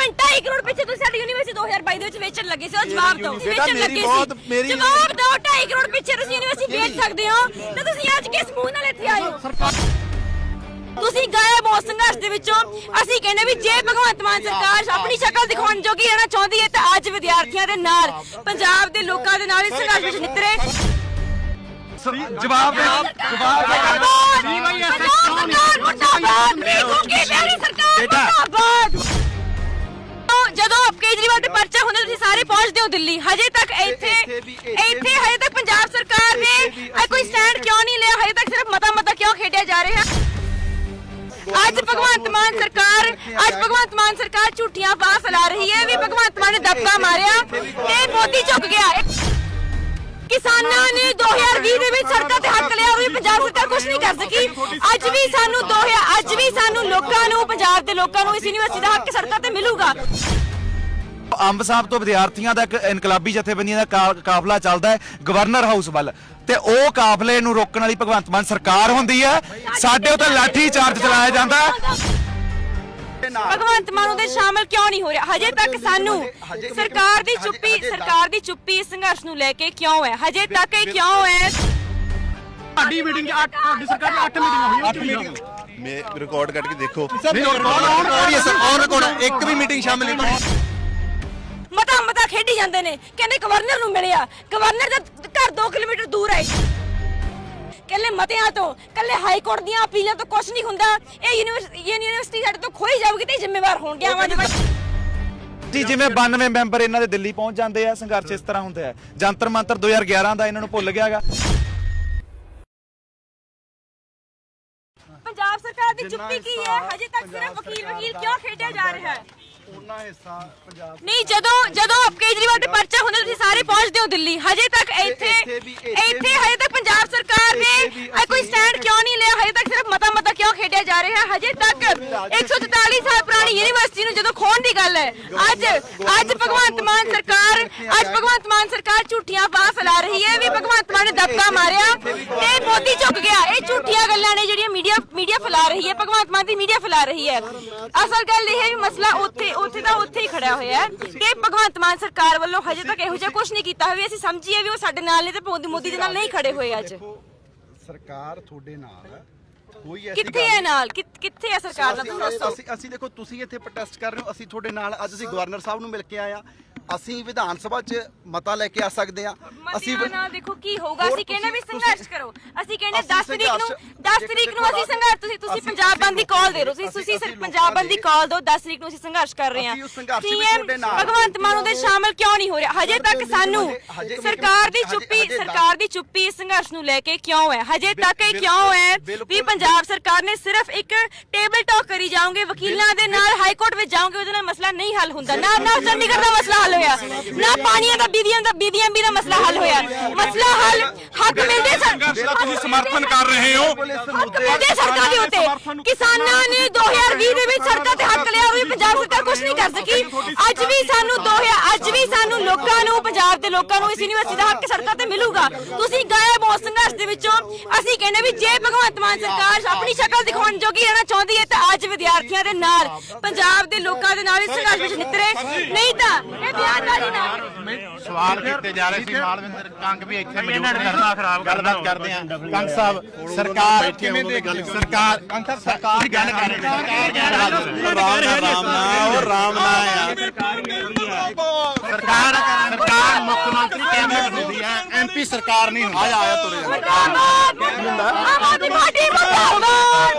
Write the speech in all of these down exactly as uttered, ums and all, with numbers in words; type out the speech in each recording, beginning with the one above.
Minute ਢਾਈ ਕਰੋੜ ਪਿੱਛੇ ਤੁਸੀਂ ਸਾਡੀ ਯੂਨੀਵਰਸਿਟੀ ਦੋ ਹਜ਼ਾਰ ਬਾਈ ਦੇ ਵਿੱਚ ਵੇਚਣ ਲੱਗੇ ਸੀ। ਉਹ ਜਵਾਬ ਦਿਓ, ਵੇਚਣ ਲੱਗੇ ਸੀ। ਜਵਾਬ ਦਿਓ, ਢਾਈ ਕਰੋੜ ਪਿੱਛੇ ਤੁਸੀਂ ਯੂਨੀਵਰਸਿਟੀ ਵੇਚ ਸਕਦੇ ਹੋ ਤੇ ਤੁਸੀਂ ਅੱਜ ਕਿਸ ਮੂੰਹ ਨਾਲ ਇੱਥੇ ਆਏ ਹੋ? ਤੁਸੀਂ ਗਾਇਬ ਹੋ ਸੰਘਰਸ਼ ਦੇ ਵਿੱਚੋਂ। ਅਸੀਂ ਕਹਿੰਦੇ ਵੀ ਜੇ ਭਗਵੰਤ ਮਾਨ ਸਰਕਾਰ ਆਪਣੀ ਸ਼ਕਲ ਦਿਖਾਉਣ ਜੋਗੀ ਰਹਿਣਾ ਚਾਹੁੰਦੀ ਹੈ ਤਾਂ ਅੱਜ ਵਿਦਿਆਰਥੀਆਂ ਦੇ ਨਾਲ, ਪੰਜਾਬ ਦੇ ਲੋਕਾਂ ਦੇ ਨਾਲ ਇਸ ਸੰਘਰਸ਼ ਵਿੱਚ ਨਿਤਰੇ। ਜਵਾਬ ਦੇ ਜਵਾਬ ਜਦੋਂ ਕੇਜਰੀਵਾਲ ਤੇ ਪਰਚਾ ਹੁੰਦਾ ਤੁਸੀਂ ਸਾਰੇ ਪਹੁੰਚਦੇ ਹੋ ਦਿੱਲੀ, ਹਜੇ ਤੱਕ ਇੱਥੇ ਇੱਥੇ ਹਜੇ ਤੱਕ ਪੰਜਾਬ ਸਰਕਾਰ ਨੇ ਕੋਈ ਸਟੈਂਡ ਕਿਉਂ ਨਹੀਂ ਲਿਆ? ਹਜੇ ਤੱਕ ਸਿਰਫ ਮਤਾ ਮਤਾ ਕਿਉਂ ਖੇਡਿਆ ਜਾ ਰਿਹਾ? ਅੱਜ ਭਗਵੰਤ ਮਾਨ ਸਰਕਾਰ ਅੱਜ ਭਗਵੰਤ ਮਾਨ ਸਰਕਾਰ ਝੂਠੀਆਂ ਅਫਵਾਹਾਂ ਫੈਲਾ ਰਹੀ ਹੈ ਵੀ ਭਗਵੰਤ ਮਾਨ ਨੇ ਦਬਕਾ ਮਾਰਿਆ ਤੇ ਮੋਦੀ ਝੁਕ ਗਿਆ। ਕਿਸਾਨਾਂ ਨੇ ਦੋ ਹਜ਼ਾਰ ਵੀਹ ਦੇ ਵਿੱਚ ਸੜਕਾਂ ਤੇ ਹੱਕ ਲਿਆ, ਉਹ ਵੀ ਪੰਜਾਬ ਸਰਕਾਰ ਕੁਝ ਨਹੀਂ ਕਰ ਸਕੀ। ਅੱਜ ਵੀ ਸਾਨੂੰ ਦੋ ਹਜ਼ਾਰ ਅੱਜ ਵੀ ਸਾਨੂੰ ਲੋਕਾਂ ਨੂੰ, ਪੰਜਾਬ ਦੇ ਲੋਕਾਂ ਨੂੰ ਇਸ ਯੂਨੀਵਰਸਿਟੀ ਦਾ ਹੱਕ ਸੜਕਾਂ ਤੇ ਮਿਲੂਗਾ। ਅੰਬ ਸਾਹਿਬ ਤੋਂ ਵਿਦਿਆਰਥੀਆਂ ਦਾ ਇੱਕ ਇਨਕਲਾਬੀ ਜਥੇਬੰਦੀਆਂ ਦਾ ਕਾਫਲਾ ਚੱਲਦਾ ਹੈ ਗਵਰਨਰ ਹਾਊਸ ਵੱਲ, ਤੇ ਉਹ ਕਾਫਲੇ ਨੂੰ ਰੋਕਣ ਵਾਲੀ ਭਗਵੰਤ ਮਾਨ ਸਰਕਾਰ ਹੁੰਦੀ ਹੈ। ਸਾਡੇ ਉੱਤੇ ਲਾਠੀ ਚਾਰਜ ਚਲਾਇਆ ਜਾਂਦਾ ਹੈ। ਭਗਵੰਤ ਮਾਨ ਉਹਦੇ ਸ਼ਾਮਲ ਕਿਉਂ ਨਹੀਂ ਹੋ ਰਿਹਾ? ਹਜੇ ਤੱਕ ਸਾਨੂੰ ਸਰਕਾਰ ਦੀ ਚੁੱਪੀ ਸਰਕਾਰ ਦੀ ਚੁੱਪੀ ਇਸ ਸੰਘਰਸ਼ ਨੂੰ ਲੈ ਕੇ ਕਿਉਂ ਹੈ? ਹਜੇ ਤੱਕ ਇਹ ਕਿਉਂ ਹੈ? ਸਾਡੀ ਮੀਟਿੰਗ ਅੱਠ ਸਾਡੀ ਸਰਕਾਰ ਦੀ ਅੱਠ ਮੀਟਿੰਗਾਂ ਹੋਈਆਂ। ਅੱਠ ਮੀਟਿੰਗ ਮੈਂ ਰਿਕਾਰਡ ਕੱਟ ਕੇ ਦੇਖੋ, ਔਨ ਰਿਕਾਰਡ ਇੱਕ ਵੀ ਮੀਟਿੰਗ ਸ਼ਾਮਿਲ ਨਹੀਂ। ਮਤਾ ਮਤਾ ਖੇਡੀ ਜਾਂਦੇ ਨੇ, ਕਹਿੰਦੇ ਗਵਰਨਰ ਨੂੰ ਮਿਲਿਆ, ਗਵਰਨਰ ਦਾ ਘਰ ਦੋ ਕਿਲੋਮੀਟਰ ਦੂਰ ਹੈ। ਕੱਲੇ ਮਤਿਆਂ ਤੋਂ, ਕੱਲੇ ਹਾਈ ਕੋਰਟ ਦੀਆਂ ਅਪੀਲਾਂ ਤੋਂ ਕੁਝ ਨਹੀਂ ਹੁੰਦਾ। ਇਹ ਯੂਨੀਵਰਸਿਟੀ ਯੂਨੀਵਰਸਿਟੀ ਸਾਡੇ ਤੋਂ ਖੋਈ ਜਾਊਗੀ ਤੇ ਜ਼ਿੰਮੇਵਾਰ ਹੋਣਗੇ ਆਵਾਜ਼ ਜੀ। ਜਿਵੇਂ ਬਾਨਵੇਂ ਮੈਂਬਰ ਇਹਨਾਂ ਦੇ ਦਿੱਲੀ ਪਹੁੰਚ ਜਾਂਦੇ ਆ, ਸੰਘਰਸ਼ ਇਸ ਤਰ੍ਹਾਂ ਹੁੰਦਾ ਹੈ। ਜੰਤਰ ਮੰਤਰ ਦੋ ਹਜ਼ਾਰ ਗਿਆਰਾਂ ਦਾ ਇਹਨਾਂ ਨੂੰ ਭੁੱਲ ਗਿਆਗਾ। ਪੰਜਾਬ ਸਰਕਾਰ ਦੀ ਚੁੱਪੀ ਕੀ ਹੈ? ਹਜੇ ਤੱਕ ਸਿਰਫ ਵਕੀਲ ਵਕੀਲ ਕਿਉਂ ਖੇਡਿਆ ਜਾ ਰਿਹਾ ਹੈ? ਉਹਨਾਂ ਹਿੱਸਾ ਪੰਜਾਬ ਨਹੀਂ, ਜਦੋਂ ਜਦੋਂ ਕੇਜਰੀਵਾਲ ਤੇ ਪਰਚਾ ਹੁੰਦਾ ਤੁਸੀਂ ਸਾਰੇ ਪਹੁੰਚਦੇ ਹੋ ਦਿੱਲੀ, ਹਜੇ ਤੱਕ ਇੱਥੇ ਇੱਥੇ ਹਜੇ ਤੱਕ ਪੰਜਾਬ ਸਰਕਾਰ ਨੇ ਕੋਈ ਸਟੈਂਡ ਕਿਉਂ ਨਹੀਂ ਲਿਆ? ਹਜੇ ਤੱਕ ਸਿਰਫ ਮਤਾ ਮਤਾ ਕਿਉਂ ਖੇਡਿਆ ਜਾ ਰਿਹਾ? ਹਜੇ ਤੱਕ ਇੱਕ ਸੌ ਚੁਤਾਲੀ ਸਾਲ ਪੁਰਾਣੀ ਯੂਨੀਵਰਸਿਟੀ ਨੂੰ ਜਦੋਂ ਖੋਣ ਦੀ ਗੱਲ ਹੈ, ਅੱਜ ਅੱਜ ਭਗਵੰਤ ਮਾਨ ਸਰਕਾਰ ਅੱਜ ਭਗਵੰਤ ਮਾਨ ਸਰਕਾਰ ਝੂਠੀਆਂ ਅਫਵਾਹਾਂ ਫੈਲਾ ਰਹੀ ਹੈ ਵੀ ਭਗਵੰਤ ਮਾਨ ਨੇ ਦਬਕਾ ਮਾਰਿਆ ਤੇ ਮੋਦੀ ਝੁਕ ਗਿਆ। ਇਹ ਝੂਠੀਆਂ ਗੱਲਾਂ ਨੇ ਜਿਹੜੀਆਂ ਮੀਡੀਆ ਮੀਡੀਆ ਫੈਲਾ ਰਹੀ ਹੈ, ਭਗਵੰਤ ਮਾਨ ਦੀ ਮੀਡੀਆ ਫੈਲਾ ਰਹੀ ਹੈ। ਅਸਲ ਗੱਲ ਇਹ ਹੈ ਵੀ ਮਸਲਾ ਉੱਥੇ ਉੱਥੇ ਦਾ ਉੱਥੇ ਹੀ ਖੜਿਆ ਹੋਇਆ ਹੈ ਕਿ ਭਗਵੰਤ ਮਾਨ ਸਰਕਾਰ ਵੱਲੋਂ ਹਜੇ ਤੱਕ ਇਹੋ ਜਿਹਾ ਕੁਝ ਨਹੀਂ ਕੀਤਾ ਹੋਇਆ। ਅਸੀਂ ਸਮਝੀਏ ਵੀ ਉਹ ਸਾਡੇ ਨਾਲ ਨੇ ਤੇ ਮੋਦੀ ਦੇ ਨਾਲ ਨਹੀਂ ਖੜੇ ਹੋਏ। ਅੱਜ ਸਰਕਾਰ ਤੁਹਾਡੇ ਨਾਲ ਹੈ, ਕੋਈ ਕਿੱਥੇ ਹੈ ਨਾਲ? ਕਿੱਥੇ ਹੈ ਸਰਕਾਰ ਦਾ? ਤੁਸੀਂ ਦੱਸੋ। ਅਸੀਂ ਅਸੀਂ ਦੇਖੋ ਤੁਸੀਂ ਇੱਥੇ ਪ੍ਰੋਟੈਸਟ ਕਰ ਰਹੇ ਹੋ, ਅਸੀਂ ਤੁਹਾਡੇ ਨਾਲ ਅੱਜ ਅਸੀਂ ਗਵਰਨਰ ਸਾਹਿਬ ਨੂੰ ਮਿਲ ਕੇ ਆਏ ਆ। ਅਸੀਂ ਵਿਧਾਨ ਸਭਾ 'ਚ ਮਤਾ ਲੈ ਕੇ ਆ ਸਕਦੇ ਆ। ਅਸੀਂ ਨਾਲ ਦੇਖੋ ਕੀ ਹੋਊਗਾ। ਅਸੀਂ ਕਹਿੰਦੇ ਵੀ ਸੰਘਰਸ਼ ਕਰੋ। ਅਸੀਂ ਕਹਿੰਦੇ ਦਸ ਤਰੀਕ ਨੂੰ ਦਸ ਤਰੀਕ ਨੂੰ ਅਸੀਂ ਸੰਘਰਸ਼ ਤੁਸੀਂ ਤੁਸੀਂ ਪੰਜਾਬ ਬੰਦ ਦੀ ਕਾਲ ਦੇ ਰਹੇ ਹੋ। ਤੁਸੀਂ ਸਿਰਫ ਪੰਜਾਬ ਬੰਦ ਦੀ ਕਾਲ ਦਿਓ। ਦਸ ਤਰੀਕ ਨੂੰ ਅਸੀਂ ਸੰਘਰਸ਼ ਕਰ ਰਹੇ ਹਾਂ। ਸੀਐਮ ਭਗਵੰਤ ਮਾਨ ਉਹਦੇ ਸ਼ਾਮਲ ਕਿਉਂ ਨਹੀਂ ਹੋ ਰਿਹਾ? ਹਜੇ ਤੱਕ ਸਾਨੂੰ ਸਰਕਾਰ ਦੀ ਚੁੱਪੀ ਸਰਕਾਰ ਦੀ ਚੁੱਪੀ ਇਸ ਸੰਘਰਸ਼ ਨੂੰ ਲੈ ਕੇ ਕਿਉਂ ਹੈ? ਹਜੇ ਤੱਕ ਇਹ ਕਿਉਂ ਹੈ ਵੀ ਪੰਜਾਬ ਸਰਕਾਰ ਨੇ ਸਿਰਫ ਇੱਕ ਟੇਬਲ ਟਾਕ ਕਰੀ ਜਾਓਗੇ, ਵਕੀਲਾਂ ਦੇ ਨਾਲ ਹਾਈ ਕੋਰਟ ਵਿੱਚ ਜਾਓਗੇ, ਉਹਦੇ ਨਾਲ ਮਸਲਾ ਨਹੀਂ ਹੱਲ ਹੁੰਦਾ। ਨਾ ਨਾ ਚੰਡੀਗੜ੍ਹ ਦਾ ਮਸਲਾ ਹੱਲ ਹੋਇਆ, ਨਾ ਪਾਣੀਆਂ ਦਾ ਬੀਬੀਆਂ ਦਾ ਬੀਬੀਆਂ ਵੀ ਦਾ ਮਸਲਾ ਹੱਲ ਹੋਇਆ। ਮਸਲਾ ਹੱਲ ਹੱਕ ਮਿਲਦੇ ਤੁਸੀਂ ਸਮਰਥਨ ਕਰ ਰਹੇ ਹੋ ਉਹਦੇ ਸੜਕਾਂ ਦੇ ਉੱਤੇ। ਕਿਸਾਨਾਂ ਨੇ ਦੋ ਹਜ਼ਾਰ ਵੀਹ ਦੇ ਵਿੱਚ ਸੜਕਾਂ ਤੇ ਹੱਕ ਲਿਆ, ਉਹ ਵੀ ਪੰਜਾਬ ਸਰਕਾਰ ਕੁਝ ਨਹੀਂ ਕਰ ਸਕੀ। ਅੱਜ ਵੀ ਸਾਨੂੰ ਦੋ ਹਜ਼ਾਰ ਅੱਜ ਵੀ ਸਾਨੂੰ ਲੋਕਾਂ ਨੂੰ, ਪੰਜਾਬ ਦੇ ਲੋਕਾਂ ਨੂੰ ਇਸ ਯੂਨੀਵਰਸਿਟੀ ਦਾ ਹੱਕ ਸੜਕਾਂ ਤੇ ਮਿਲੂਗਾ। ਤੁਸੀਂ ਗਾਇਬ ਹੋ ਸੰਘਰਸ਼ ਦੇ ਵਿੱਚੋਂ। ਅਸੀਂ ਕਹਿੰਦੇ ਵੀ ਜੇ ਭਗਵੰਤ ਮਾਨ ਸਰਕਾਰ ਆਪਣੀ ਸ਼ਕਲ ਦਿਖਾਉਣ ਜੋਗੀ ਰਹਿਣਾ ਚਾਹੁੰਦੀ ਹੈ ਤਾਂ ਅੱਜ ਵਿਦਿਆਰਥੀਆਂ ਦੇ ਨਾਲ, ਪੰਜਾਬ ਦੇ ਲੋਕਾਂ ਦੇ ਨਾਲ ਇਸ ਸੰਘਰਸ਼ ਵਿੱਚ ਨਿਤਰੇ। ਨਹੀਂ ਤਾਂ ਇਹ ਬਿਆਨਬਾਜ਼ੀ ਨਾ ਸਵਾਲ ਕੀਤੇ ਜਾ ਰਹੇ ਸੀ। ਮਾਲਵਿੰਦਰ ਕੰਗ ਵੀ ਇੱਥੇ ਮੌਜੂਦ ਨੇ, ਗੱਲਬਾਤ ਕਰਦੇ ਆ। ਕੰਗ ਸਾਹਿਬ, ਸਰਕਾਰ ਕਿਵੇਂ ਦੇਖਦੇ ਹੋ? ਸਰਕਾਰ ਕੰਗ ਸਾਹਿਬ ਸਰਕਾਰ ਗੱਲ ਕਰ ਰਹੇ ਨੇ, ਰਾਮ ਨਾਲ ਉਹ ਰਾਮ ਨਾਲ ਆ। ਸਰਕਾਰ ਸਰਕਾਰ ਮੁੱਖ ਮੰਤਰੀ ਕੈਬਨਿਟ ਹੁੰਦੀ ਹੈ, ਐਮਪੀ ਸਰਕਾਰ ਨਹੀਂ ਹੁੰਦੀ। ਆਇਆ ਆਇਆ ਤੁਰੇ ਆਮ ਆਦਮੀ ਪਾਰਟੀ ਮੁਰਦਾਬਾਦ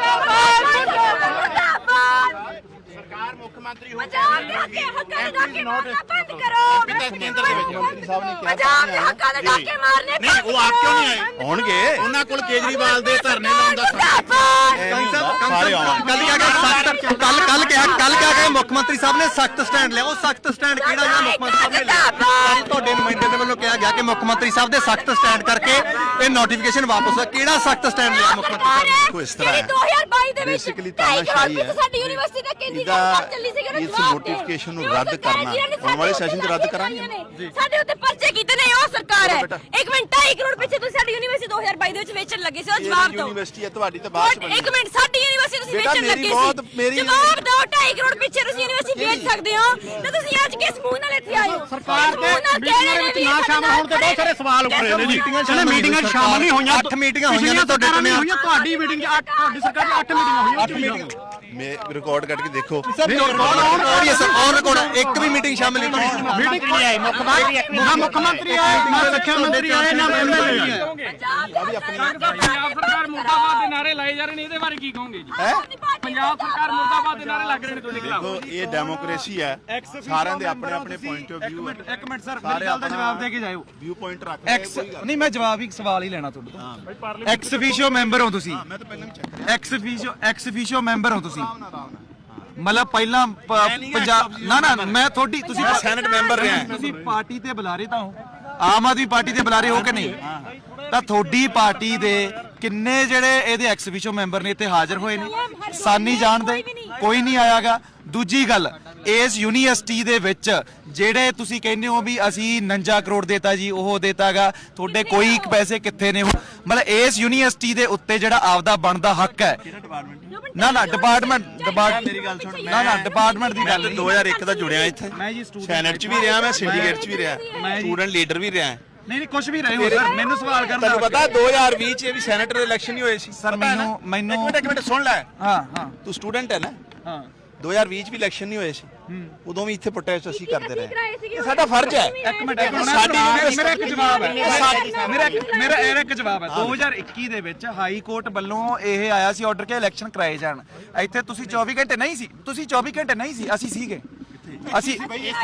ਮੁਰਦਾਬਾਦ। ਸਰਕਾਰ ਮੁੱਖ ਮੰਤਰੀ ਪੰਜਾਬ ਦੇ ਹੱਕੇ ਹੱਕਾਂ ਦੇ ਡਾਕੇ ਮਾਰਨਾ ਬੰਦ ਕਰੋ। ਕੇਂਦਰ ਦੇ ਵਿੱਚ ਮੰਤਰੀ ਸਾਹਿਬ ਨੇ ਕਿਹਾ ਪੰਜਾਬ ਦੇ ਹੱਕਾਂ ਦੇ ਡਾਕੇ ਮਾਰਨੇ ਨਹੀਂ, ਉਹ ਆਪ ਕਿਉਂ ਨਹੀਂ ਆਏ? ਆਉਣਗੇ, ਉਹਨਾਂ ਕੋਲ ਕੇਜਰੀਵਾਲ ਦੇ ਧਰਨੇ ਲਾਉਣ ਦਾ ਕੱਲ ਕੱਲ ਕਿਹਾ ਕੱਲ ਕਿਹਾ ਕਿ ਮੁੱਖ ਮੰਤਰੀ ਸਾਹਿਬ ਨੇ ਸਖਤ ਸਟੈਂਡ ਲਿਆ। ਉਹ ਸਖਤ ਸਟੈਂਡ ਕਿਹੜਾ ਜਿਹੜਾ ਮੁੱਖ ਮੰਤਰੀ ਸਾਹਿਬ ਨੇ ਲਿਆ? ਤੁਹਾਡੇ ਨੁਮਾਇੰਦੇ ਦੇ ਵੱਲੋਂ ਕਿਹਾ ਗਿਆ ਕਿ ਮੁੱਖ ਮੰਤਰੀ ਸਾਹਿਬ ਦੇ ਸਖਤ ਸਟੈਂਡ ਕਰਕੇ ਇਹ ਨੋਟੀਫਿਕੇਸ਼ਨ ਵਾਪਸ ਹੋਇਆ। ਕਿਹੜਾ ਸਖਤ ਸਟੈਂਡ ਲਿਆ ਮੁੱਖ ਮੰਤਰੀ ਸਾਹਿਬ ਨੇ? ਕੋਈ ਇਸ ਤਰ੍ਹਾਂ ਹੈ, ਦੋ ਹਜ਼ਾਰ ਬਾਈ ਦੇ ਵਿੱਚ ਬੇਸਿਕਲੀ ਤਾਨਾਸ਼ਾਹੀ ਹੈ। ਸਾਡੀ ਯੂਨੀਵਰਸਿਟੀ ਦਾ ਕੇਂਦਰੀ ਇਸ ਨੋਟੀਫਿਕੇਸ਼ਨ ਨੂੰ ਰੱਦ ਕਰਨਾ ਆਉਣ ਵਾਲੇ ਸੈਸ਼ਨ 'ਚ ਰੱਦ ਕਰਾਂਗੇ। ਸਾਡੇ ਉੱਤੇ ਪਰਚੇ ਕੀਤੇ ਨੇ ਉਹ ਸਰਕਾਰ ਹੈ। ਇੱਕ ਮਿੰਟ ਢਾਈ ਕਰੋੜ ਪਿੱਛੇ ਤੁਸੀਂ ਸਾਡੀ ਯੂਨੀਵਰਸਿਟੀ ਦੋ ਹਜ਼ਾਰ ਬਾਈ ਦੇ ਵਿੱਚ ਵੇਚਣ ਲੱਗੇ ਸੀ। ਉਹ ਜਵਾਬ ਦਿਓ। ਯੂਨੀਵਰਸਿਟੀ ਹੈ ਤੁਹਾਡੀ ਤਾਂ ਬਾਅਦ ਚ ਬਣੀ। ਇੱਕ ਮਿੰਟ ਸਾਡੀ ਯੂਨੀਵਰਸਿਟੀ ਤੁਸੀਂ ਵੇਚਣ ਲੱਗੇ ਸੀ। ਮੇਰੀ ਜਵਾਬ ਦਿਓ ਢਾਈ ਕਰੋੜ ਪਿੱਛੇ ਤੁਸੀਂ ਯੂਨੀਵਰਸਿਟੀ ਵੇਚ ਸਕਦੇ ਹੋ ਤੇ ਤੁਸੀਂ ਅੱਜ ਕਿਸ ਮੂੰਹ ਨਾਲ ਇੱਥੇ ਆਏ ਹੋ? ਸਰਕਾਰ ਦੇ ਮੀਟਿੰਗਾਂ ਵਿੱਚ ਨਾ ਸ਼ਾਮਲ ਹੋਣ ਤੇ ਬਹੁਤ ਸਾਰੇ ਸਵਾਲ ਉੱਠ ਰਹੇ ਨੇ ਜੀ। ਜਿਹੜੇ ਮੀਟਿੰਗਾਂ ਸ਼ਾਮਲ ਨਹੀਂ ਹੋਈਆਂ, ਅੱਠ ਮੀਟਿੰਗਾਂ ਹੋਈਆਂ ਨੇ ਤੁਹਾਡੇ ਨਾਲ ਹੋਈਆਂ, ਤੁਹਾਡੀ ਮੀਟਿੰਗ ਚ ਅੱਠ, ਤੁਹਾਡੀ ਸਰਕਾਰ ਦੀ ਅੱਠ ਮੀਟਿੰਗਾਂ ਹੋਈਆਂ। ਅੱਠ ਮੀਟਿੰਗ ਮੈਂ ਰਿਕਾਰਡ ਕੱਢ ਕੇ ਦੇਖੋ ਔਨ ਰਿਕਾਰਡ ਇੱਕ ਵੀ ਮੀਟਿੰਗ ਸ਼ਾਮਲ ਨਹੀਂ ਹੋਈ। ਮੀਟਿੰਗ ਨਹੀਂ ਆਈ, ਮੁੱਖ ਮੰਤਰੀ ਨਾ ਮੁੱਖ ਮੰਤਰੀ ਆਏ, ਨਾ ਰੱਖਿਆ ਮੰਤਰੀ ਆਏ, ਨਾ ਐਮਐਲਏ ਆਏ। ਪੰਜਾਬ ਸਰਕਾਰ ਮੁਰਦਾਬਾਦ ਦੇ ਨਾਰੇ ਲਾਏ ਜਾ ਰਹੇ ਨੇ, ਇਹਦੇ ਬਾਰੇ ਕੀ ਕਹੋਗੇ ਜੀ? ਪੰਜਾਬ ਸਰਕਾਰ ਮੁਰਦਾਬਾਦ ਦੇ ਨਾਰੇ ਲੱਗ ਰਹੇ ਨੇ ਤੁਹਾਡੇ ਖਿਲਾਫ। ਦੇਖੋ ਇਹ ਡੈਮੋਕ੍ਰੇਸੀ ਹੈ, ਸਾਰਿਆਂ ਦੇ ਆਪਣੇ ਆਪਣੇ ਪੁਆਇੰਟ ਆਫ ਵਿਊ ਹੈ। ਇੱਕ ਮਿੰਟ ਸਰ, ਮੇਰੀ ਗੱਲ ਦਾ ਜਵਾਬ ਦੇ ਕੇ ਜਾਇਓ। ਵਿਊ ਪੁਆਇੰਟ ਰੱਖ ਐਕਸ ਨਹੀਂ, ਮੈਂ ਜਵਾਬ ਹੀ ਸਵਾਲ ਹੀ ਲੈਣਾ ਤੁਹਾਡੇ ਤੋਂ। ਐਕਸ ਅਫੀਸ਼ੀਓ ਮੈਂਬਰ ਹੋ ਤੁਸੀਂ, ਮੈਂ ਤਾਂ ਪਹਿਲਾਂ ਵੀ ਚੈੱਕ ਕਰਿਆ। Ex officio ex officio member ਹੋ ਤੁਸੀਂ। ਮਤਲਬ ਪਹਿਲਾਂ ਪ- ਪੰਜਾਬ ਨਾ ਨਾ ਮੈਂ ਤੁਹਾਡੀ ਤੁਸੀਂ ਸੈਨੇਟ ਮੈਂਬਰ ਰਿਹਾ। ਤੁਸੀਂ ਪਾਰਟੀ ਤੇ ਬੁਲਾਰੇ ਤਾਂ ਹੋ, ਆਮ ਆਦਮੀ ਪਾਰਟੀ ਤੇ ਬੁਲਾਰੇ ਹੋ ਕਿ ਨਹੀਂ? ਤਾਂ ਤੁਹਾਡੀ ਪਾਰਟੀ ਦੇ ਕਿੰਨੇ ਜਿਹੜੇ ਇਹਦੇ ਐਕਸ ਅਫੀਸ਼ੀਓ ਮੈਂਬਰ ਨੇ ਇੱਥੇ ਹਾਜ਼ਰ ਹੋਏ ਨੇ? ਸਾਨੀ ਜਾਣਦੇ ਕੋਈ ਨਹੀਂ ਆਇਆਗਾ। ਦੂਜੀ ਗੱਲ, ਇਸ ਯੂਨੀਵਰਸਿਟੀ ਦੇ ਵਿੱਚ ਜਿਹੜੇ ਤੁਸੀਂ ਕਹਿੰਦੇ ਹੋ ਵੀ ਅਸੀਂ ਉਨੰਜਾ ਕਰੋੜ ਦੇਤਾ ਜੀ, ਉਹ ਦੇਤਾਗਾ, ਤੁਹਾਡੇ ਕੋਈ ਇੱਕ ਪੈਸੇ ਕਿੱਥੇ ਨੇ? ਮਤਲਬ ਇਸ ਯੂਨੀਵਰਸਿਟੀ ਦੇ ਉੱਤੇ ਜਿਹੜਾ ਆਪਦਾ ਬਣਦਾ ਹੱਕ ਹੈ। ਨਾ ਨਾ ਡਿਪਾਰਟਮੈਂਟ ਡਿਪਾਰਟ ਮੇਰੀ ਗੱਲ ਸੁਣ, ਨਾ ਨਾ ਡਿਪਾਰਟਮੈਂਟ ਦੀ ਗੱਲ ਮੈਂ ਨਹੀਂ। ਦੋ ਹਜ਼ਾਰ ਇੱਕ ਦਾ ਜੁੜਿਆ ਇੱਥੇ, ਮੈਂ ਜੀ ਸਟੂਡੈਂਟ ਸੈਨੇਟ 'ਚ ਵੀ ਰਿਹਾ, ਮੈਂ ਸਿੰਡੀਕੇਟ 'ਚ ਵੀ ਰਿਹਾ, ਮੈਂ ਜੀ- ਸਟੂਡੈਂਟ ਲੀਡਰ ਵੀ ਰਿਹਾ। ਨਹੀਂ ਨਹੀਂ ਕੁਝ ਵੀ ਰਹੇ ਹੋ ਸਰ, ਮੈਨੂੰ ਸਵਾਲ ਕਰਨ ਦਾ ਤੁਹਾਨੂੰ ਹੱਕ ਪਤਾ ਦੋ ਹਜ਼ਾਰ ਵੀਹ 'ਚ ਇਹ ਵੀ ਸੈਨੇਟਰ ਇਲੈਕਸ਼ਨ ਹੀ ਹੋਏ ਸੀ ਸਰ। ਪਤਾ ਹੈ ਨਾ? ਮੈਨੂੰ ਮੈਨੂੰ ਇੱਕ ਮਿੰਟ ਇੱਕ ਮਿੰਟ ਸੁਣ ਲੈ, ਹਾਂ ਹਾਂ ਤੂੰ ਸਟੂਡੈਂਟ ਹੈ ਨਾ। ਹਾਂ ਦੋ ਹਜ਼ਾਰ ਵੀਹ 'ਚ ਵੀ ਇਲੈਕਸ਼ਨ ਨਹੀਂ ਹੋਏ ਸੀ, ਉਦੋਂ ਵੀ ਇੱਥੇ ਪ੍ਰੋਟੈਸਟ ਅਸੀਂ ਕਰਦੇ ਰਹੇ। ਇਹ ਇਹ ਸਾਡਾ ਫਰਜ਼ ਹੈ। ਇੱਕ ਮਿੰਟ ਇੱਕ ਮਿੰਟ, ਸਾਡੀ ਮੇਰਾ ਯੂਨੀਵਰਸਿਟੀ- ਮੇਰਾ ਇੱਕ ਜਵਾਬ ਹੈ। ਸਾਡੀ- ਮੇਰਾ ਇੱਕ- ਮੇਰਾ ਇਹ ਇੱਕ ਜਵਾਬ ਹੈ। ਦੋ ਹਜ਼ਾਰ ਇੱਕੀ ਦੇ ਵਿੱਚ ਹਾਈ ਕੋਰਟ ਵੱਲੋਂ ਇਹ ਆਇਆ ਸੀ ਆਰਡਰ ਕਿ ਇਲੈਕਸ਼ਨ ਕਰਾਏ ਜਾਣ। ਇੱਥੇ ਤੁਸੀਂ ਚੌਵੀ ਘੰਟੇ ਨਹੀਂ ਸੀ, ਤੁਸੀਂ ਚੌਵੀ ਘੰਟੇ ਨਹੀਂ ਸੀ, ਅਸੀਂ ਸੀਗੇ। ਅਸੀਂ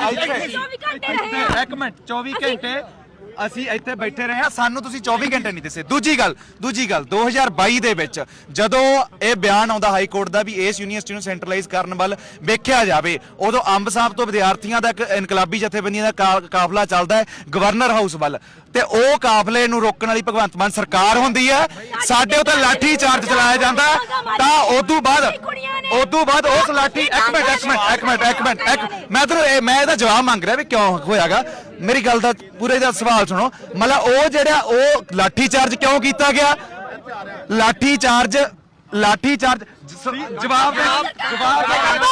ਇੱਥੇ ਇੱਕ ਮਿੰਟ ਚੌਵੀ ਘੰਟੇ ਅਸੀਂ ਇੱਥੇ ਬੈਠੇ ਰਹੇ ਹਾਂ, ਸਾਨੂੰ ਤੁਸੀਂ ਚੌਵੀ ਘੰਟੇ ਨਹੀਂ ਦਿੱਸੇ। ਦੂਜੀ ਗੱਲ ਦੂਜੀ ਗੱਲ ਦੋ ਹਜ਼ਾਰ ਬਾਈ ਦੇ ਵਿੱਚ ਜਦੋਂ ਇਹ ਬਿਆਨ ਆਉਂਦਾ ਹਾਈ ਕੋਰਟ ਦਾ ਵੀ ਇਸ ਯੂਨੀਵਰਸਿਟੀ ਨੂੰ ਸੈਂਟਰਲਾਈਜ਼ ਕਰਨ ਵੱਲ ਵੇਖਿਆ ਜਾਵੇ, ਉਦੋਂ ਅੰਬ ਸਾਹਿਬ ਤੋਂ ਵਿਦਿਆਰਥੀਆਂ ਦਾ ਇੱਕ ਇਨਕਲਾਬੀ ਜਥੇਬੰਦੀਆਂ ਦਾ ਕਾ- ਕਾਫਲਾ ਚੱਲਦਾ ਹੈ ਗਵਰਨਰ ਹਾਊਸ ਵੱਲ, ਤੇ ਉਹ ਕਾਫਲੇ ਨੂੰ ਰੋਕਣ ਵਾਲੀ ਭਗਵੰਤ ਮਾਨ ਸਰਕਾਰ ਹੁੰਦੀ ਹੈ। ਸਾਡੇ ਉੱਤੇ ਲਾਠੀ ਚਾਰਜ ਚਲਾਇਆ ਜਾਂਦਾ ਹੈ, ਤਾਂ ਉਦੋਂ ਬਾਅਦ ਉਦੋਂ ਬਾਅਦ ਉਸ ਲਾਠੀ ਇੱਕ ਮਿੰਟ ਇੱਕ ਮਿੰਟ ਇੱਕ ਮਿੰਟ ਇੱਕ ਮਿੰਟ ਇੱਕ ਮੈਂ ਤੁਹਾਨੂੰ ਮੈਂ ਇਹਦਾ ਜਵਾਬ ਮੰਗ ਰਿਹਾ ਵੀ ਕਿਉਂ ਹੋਇਆਗਾ। ਮੇਰੀ ਗੱਲ ਦਾ ਪੂਰੇ ਦਾ ਸਵਾਲ ਸੁਣੋ। ਮਤਲਬ ਉਹ ਜਿਹੜਾ ਉਹ ਲਾਠੀ ਚਾਰਜ ਕਿਉਂ ਕੀਤਾ ਗਿਆ? ਲਾਠੀ ਚਾਰਜ ਲਾਠੀ ਚਾਰਜ ਜਵਾਬ ਦੇ ਜਵਾਬ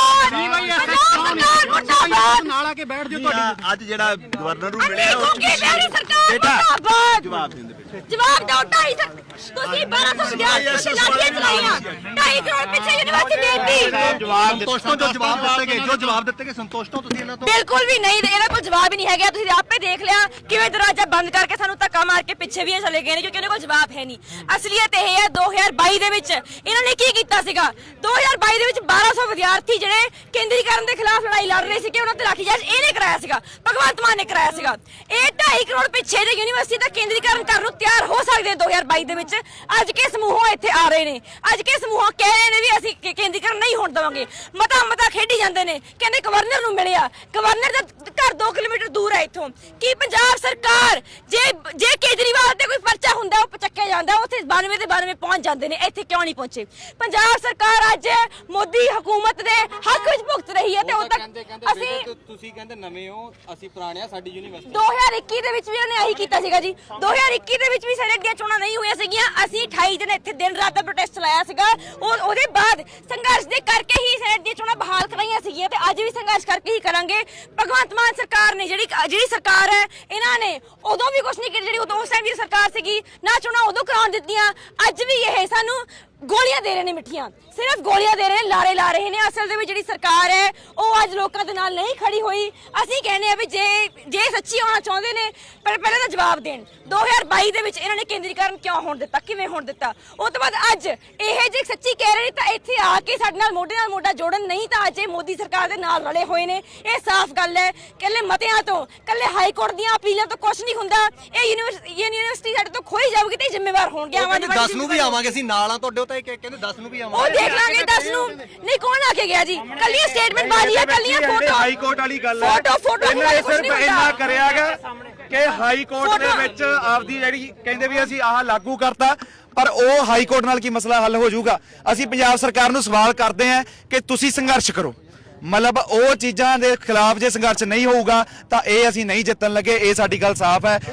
ਨਾਲ ਆ ਕੇ ਬੈਠ ਜਾਓ। ਤੁਹਾਡੀ ਅੱਜ ਜਿਹੜਾ ਗਵਰਨਰ ਨੂੰ ਮਿਲਿਆ ਅਰੇ ਉਹ 'ਚ ਕਿਉਂਕਿ ਮੇਰੀ ਸਰਕਾਰ ਬੇਟਾ, ਮੁਰਦਾਬਾਦ। ਜਵਾਬ ਦਿੰਦੇ ਜਵਾਬ ਦਿਓ ਢਾਈ ਸੌ ਤੁਸੀਂ ਬਾਰਾਂ ਸੌ ਵਿਦਿਆਰਥੀਆਂ ਤੇ ਲਾਠੀਆਂ ਚਲਾਈਆਂ, ਢਾਈ ਕਰੋੜ ਪਿੱਛੇ ਯੂਨੀਵਰਸਿਟੀ ਦੇਤੀ। ਜਵਾਬ ਸੰਤੋਸ਼ ਤੋਂ ਜੋ ਜਵਾਬ ਦਿੱਤੇ ਗਏ, ਜੋ ਜਵਾਬ ਦਿੱਤੇ ਗਏ ਸੰਤੋਸ਼ ਤੋਂ ਤੁਸੀਂ ਇਹਨਾਂ ਤੋਂ ਬਿਲਕੁਲ ਵੀ ਨਹੀਂ, ਇਹਨਾਂ ਕੋਲ ਜਵਾਬ ਹੀ ਨਹੀਂ ਹੈਗਾ। ਤੁਸੀਂ ਆਪੇ ਦੇਖ ਲਿਆ ਕਿਵੇਂ ਦਰਵਾਜ਼ਾ ਬੰਦ ਕਰਕੇ ਸਾਨੂੰ ਧੱਕਾ ਮਾਰ ਕੇ ਪਿੱਛੇ ਵੀ ਇਹ ਚਲੇ ਗਏ ਨੇ, ਕਿਉਂਕਿ ਇਹਨਾਂ ਕੋਲ ਜਵਾਬ ਹੈ ਨਹੀਂ। ਅਸਲੀਅਤ ਇਹ ਹੈ ਦੋ ਹਜ਼ਾਰ ਬਾਈ ਦੇ ਵਿੱਚ ਇਹਨਾਂ ਨੇ ਕੀ ਕੀਤਾ ਸੀਗਾ। ਦੋ ਹਜ਼ਾਰ ਬਾਈ ਦੇ ਵਿੱਚ ਬਾਰਾਂ ਸੌ ਵਿਦਿਆਰਥੀ ਜਿਹੜੇ ਕੇਂਦਰੀਕਰਨ ਦੇ ਖਿਲਾਫ ਲੜਾਈ ਲੜ ਰਹੇ ਸੀ ਕਿ ਉਹਨਾਂ ਤੇ ਲਾਠੀਚਾਰਜ ਇਹਨੇ ਕਰਾਇਆ ਸੀਗਾ, ਭਗਵੰਤ ਮਾਨ ਨੇ ਕਰਾਇਆ ਸੀਗਾ। ਇਹ ਢਾਈ ਕਰੋੜ ਪਿੱਛੇ ਜੇ ਯੂਨੀਵਰਸਿਟੀ ਦਾ ਕੇਂਦਰੀਕਰਨ ਕਰਨ ਨੂੰ ਤਿਆਰ ਹੋ ਸਕਦੇ ਦੋ ਹਜ਼ਾਰ ਬਾਈ ਦੇ ਵਿੱਚ। ਅੱਜ ਕੇ ਸਮੂਹੋਂ ਇੱਥੇ ਆ ਰਹੇ ਨੇ, ਅੱਜ ਕੇ ਸਮੂਹੋਂ ਕਹਿ ਰਹੇ ਨੇ ਵੀ ਅਸੀਂ ਕੇ- ਕੇਂਦਰੀਕਰਨ ਨਹੀਂ ਹੋਣ ਦੇਵਾਂਗੇ। ਮਤਾ ਮਤਾ ਖੇਡੀ ਜਾਂਦੇ ਨੇ, ਕਹਿੰਦੇ ਗਵਰਨਰ ਨੂੰ ਮਿਲਿਆ। ਗਵਰਨਰ ਦਾ ਘਰ ਦੋ ਕਿਲੋਮੀਟਰ ਦੂਰ ਹੈ ਇੱਥੋਂ। ਕੀ ਪੰਜਾਬ ਸਰਕਾਰ ਜੇ ਜੇ ਕੇਜਰੀਵਾਲ ਤੇ ਕੋਈ ਪਰਚਾ ਹੁੰਦਾ ਉਹ ਚੱਕਿਆ ਜਾਂਦਾ, ਉੱਥੇ ਬਾਨਵੇਂ ਤੇ ਬਾਨਵੇਂ ਪਹੁੰਚ ਜਾਂਦੇ ਨੇ, ਇੱਥੇ ਕਿਉਂ ਨਹੀਂ ਪਹੁੰਚੇ? ਪੰਜਾਬ ਸਰਕਾਰ ਅੱਜ ਮੋਦੀ ਹਕੂਮਤ ਦੇ ਹੱਕ ਵਿੱਚ ਭੁਗਤ ਰਹੀ ਹੈ ਤੇ ਉਦੋਂ ਤੱਕ ਅਸੀਂ ਤੁਸੀਂ ਕਹਿੰਦੇ ਨਵੇਂ ਹੋ, ਅਸੀਂ ਪੁਰਾਣੇ ਆ, ਸਾਡੀ ਯੂਨੀਵਰਸਿਟੀ ਦੋ ਹਜ਼ਾਰ ਇੱਕੀ ਦੇ ਵਿੱਚ ਵੀ ਉਹਨੇ ਆਹੀ ਕੀਤਾ ਸੀਗਾ ਜੀ। ਦੋ ਹਜ਼ਾਰ ਇੱਕੀ ਦੇ ਵਿੱਚ ਵੀ ਸੈਨੇਟ ਦੀਆਂ ਚੋਣਾਂ ਨਹੀਂ ਹੋਈਆਂ ਸੀਗੀਆਂ। ਅਸੀਂ ਅਠਾਈ ਦਿਨ ਇੱਥੇ ਦਿਨ ਰਾਤ ਦਾ ਪ੍ਰੋਟੈਸਟ ਚਲਾਇਆ ਸੀਗਾ। ਉਹ ਉਹਦੇ ਬਾਅਦ ਸੰਘਰਸ਼ ਦੇ ਕਰਕੇ ਹੀ ਸੈਨੇਟ ਦੀਆਂ ਚੋਣਾਂ ਬਹਾਲ ਕਰਾਈਆਂ ਸੀਗੀਆਂ ਤੇ ਅੱਜ ਵੀ ਸੰਘਰਸ਼ ਕਰਕੇ ਹੀ ਕਰਾਂਗੇ। ਭਗਵੰਤ ਮਾਨ ਸਰਕਾਰ ਨੇ ਜਿਹੜੀ ਜਿਹੜੀ ਸਰਕਾਰ ਹੈ, ਇਹਨਾਂ ਨੇ ਉਦੋਂ ਵੀ ਕੁਝ ਨਹੀਂ ਕੀਤਾ। ਜਿਹੜੀ ਉਦੋਂ ਉਸ ਟਾਈਮ ਦੀ ਸਰਕਾਰ ਸੀਗੀ ਨਾ ਚੋਣਾਂ ਉਦੋਂ ਕਰਾਉਣ ਦਿੱਤੀਆਂ, ਅੱਜ ਵੀ ਇਹ ਸਾਨੂੰ ਗੋਲੀਆਂ ਦੇ ਰਹੇ ਨੇ ਮਿੱਠੀਆਂ, ਸਿਰਫ ਗੋਲੀਆਂ ਦੇ ਰਹੇ ਨੇ, ਲਾਰੇ ਲਾ ਰਹੇ ਨੇ। ਅਸਲ ਦੇ ਵਿੱਚ ਜਿਹੜੀ ਸਰਕਾਰ ਹੈ ਉਹ ਅੱਜ ਲੋਕਾਂ ਦੇ ਨਾਲ ਨਹੀਂ ਖੜੀ ਹੋਈ। ਅਸੀਂ ਕਹਿੰਦੇ ਆ ਵੀ ਜੇ ਜੇ ਸੱਚੀ ਹੋਣਾ ਚਾਹੁੰਦੇ ਨੇ ਪਰ ਪਹਿਲਾਂ ਤਾਂ ਜਵਾਬ ਦੇਣ। ਦੋ ਹਜ਼ਾਰ ਬਾਈ ਦੇ ਵਿੱਚ ਇਹਨਾਂ ਨੇ ਕੇਂਦਰੀਕਰਨ ਕਿਉਂ ਹੋਣ ਦਿੱਤਾ, ਕਿਵੇਂ ਹੋਣ ਦਿੱਤਾ? ਉਸ ਤੋਂ ਬਾਅਦ ਅੱਜ ਇਹ ਜੇ ਸੱਚੀ ਕਹਿ ਰਹੇ ਨੇ ਤਾਂ ਇੱਥੇ ਆ ਕੇ ਸਾਡੇ ਨਾਲ ਮੋਢੇ ਨਾਲ ਮੋਢਾ ਜੋੜਨ, ਨਹੀਂ ਤਾਂ ਅੱਜ ਇਹ ਮੋਦੀ ਸਰਕਾਰ ਦੇ ਨਾਲ ਰਲੇ ਹੋਏ ਨੇ। ਇਹ ਸਾਫ਼ ਗੱਲ ਹੈ। ਕੱਲੇ ਮਤਿਆਂ ਤੋਂ, ਕੱਲੇ ਹਾਈ ਕੋਰਟ ਦੀਆਂ ਅਪੀਲਾਂ ਤੋਂ ਕੁਝ ਨਹੀਂ ਹੁੰਦਾ। ਇਹ ਯੂਨੀਵਰਸਿਟੀ ਯੂਨੀਵਰਸਿਟੀ ਸਾਡੇ ਤੋਂ ਖੋਈ ਜਾਊਗੀ ਤੇ ਜ਼ਿੰਮੇਵਾਰ ਹੋਣਗੇ। ਆਵਾਂਗੇ ਦਸ ਨੂੰ ਵੀ ਆਵਾਂਗੇ, ਅਸੀਂ ਨਾਲ ਆ ਤੁਹਾਡੇ। ਤਾਂ ਇਹ ਕਹਿੰਦੇ ਦਸ ਨੂੰ ਵੀ ਉਹ ਆਵਾਂਗੇ। ਦੇਖ ਲਾਂਗੇ ਦਸ ਨੂੰ। ਨਹੀਂ ਕੌਣ ਆ ਕੇ ਗਿਆ ਜੀ? ਕੱਲੀਆਂ ਸਟੇਟਮੈਂਟ ਬਾਜੀ ਆ, ਕੱਲੀਆਂ ਫੋਟੋ ਹਾਈ ਕੋਰਟ ਵਾਲੀ ਗੱਲ ਹੈ। ਫੋਟੋ ਫੋਟੋ ਇਹਨਾਂ ਨੇ ਸਿਰਫ ਇੰਨਾ ਕਰਿਆਗਾ ਕਿ ਹਾਈ ਕੋਰਟ ਦੇ ਵਿੱਚ ਆਪਦੀ ਜਿਹੜੀ ਕਹਿੰਦੇ ਵੀ ਅਸੀਂ ਆਹ ਲਾਗੂ ਕਰਤਾ, ਪਰ ਉਹ ਹਾਈ ਕੋਰਟ ਨਾਲ ਕੀ ਮਸਲਾ ਹੱਲ ਹੋ ਜਾਊਗਾ? ਅਸੀਂ ਪੰਜਾਬ ਸਰਕਾਰ ਨੂੰ ਸਵਾਲ ਕਰਦੇ ਹਾਂ ਕਿ ਤੁਸੀਂ ਸੰਘਰਸ਼ ਕਰੋ। ਮਤਲਬ ਉਹ ਚੀਜ਼ਾਂ ਦੇ ਖਿਲਾਫ ਜੇ ਸੰਘਰਸ਼ ਨਹੀਂ ਹੋਊਗਾ ਤਾਂ ਇਹ ਅਸੀਂ ਨਹੀਂ ਜਿੱਤਣ ਲੱਗੇ। ਇਹ ਸਾਡੀ ਗੱਲ ਸਾਫ਼ ਹੈ।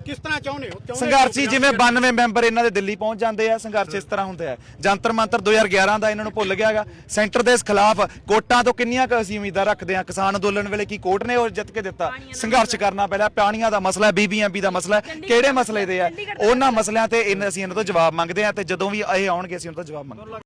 ਕਿਸ ਤਰ੍ਹਾਂ ਚਾਹੁੰਦੇ ਹੋ ਚਾਹੁੰਦੇ ਸੰਘਰਸ਼ੀ ਹੋ ਜਿਵੇਂ ਬਾਨਵੇਂ ਮੈਂਬਰ ਇਹਨਾਂ ਦੇ ਦਿੱਲੀ ਪਹੁੰਚ ਜਾਂਦੇ ਆ, ਸੰਘਰਸ਼ ਇਸ ਤਰ੍ਹਾਂ ਹੁੰਦਾ ਹੈ। ਜੰਤਰ ਮੰਤਰ ਦੋ ਹਜ਼ਾਰ ਗਿਆਰਾਂ ਦਾ ਇਹਨਾਂ ਨੂੰ ਭੁੱਲ ਗਿਆਗਾ। ਸੈਂਟਰ ਦੇ ਖਿਲਾਫ ਕੋਰਟਾਂ ਤੋਂ ਕਿੰਨੀਆਂ ਕੁ ਅਸੀਂ ਉਮੀਦਾਂ ਰੱਖਦੇ ਆ। ਕਿਸਾਨ ਅੰਦੋਲਨ ਵੇਲੇ ਕੀ ਕੋਰਟ ਨੇ ਉਹ ਜਿੱਤ ਕੇ ਦਿੱਤਾ? ਸੰਘਰਸ਼ ਕਰਨਾ ਪਹਿਲਾਂ। ਪਾਣੀਆਂ ਦਾ ਮਸਲਾ, ਬੀਬੀਐਮਬੀ ਦਾ ਮਸਲਾ, ਕਿਹੜੇ ਮਸਲੇ ਦੇ ਆ? ਉਹਨਾਂ ਮਸਲਿਆਂ ਤੇ ਇਹਨਾਂ- ਅਸੀਂ ਇਹਨਾਂ ਤੋਂ ਜਵਾਬ ਮੰਗਦੇ ਆ ਤੇ ਜਦੋਂ ਵੀ ਇਹ ਆਉਣਗੇ ਅਸੀਂ ਉਹਨਾਂ ਤੋਂ ਜਵਾਬ ਮੰਗਾਂਗੇ।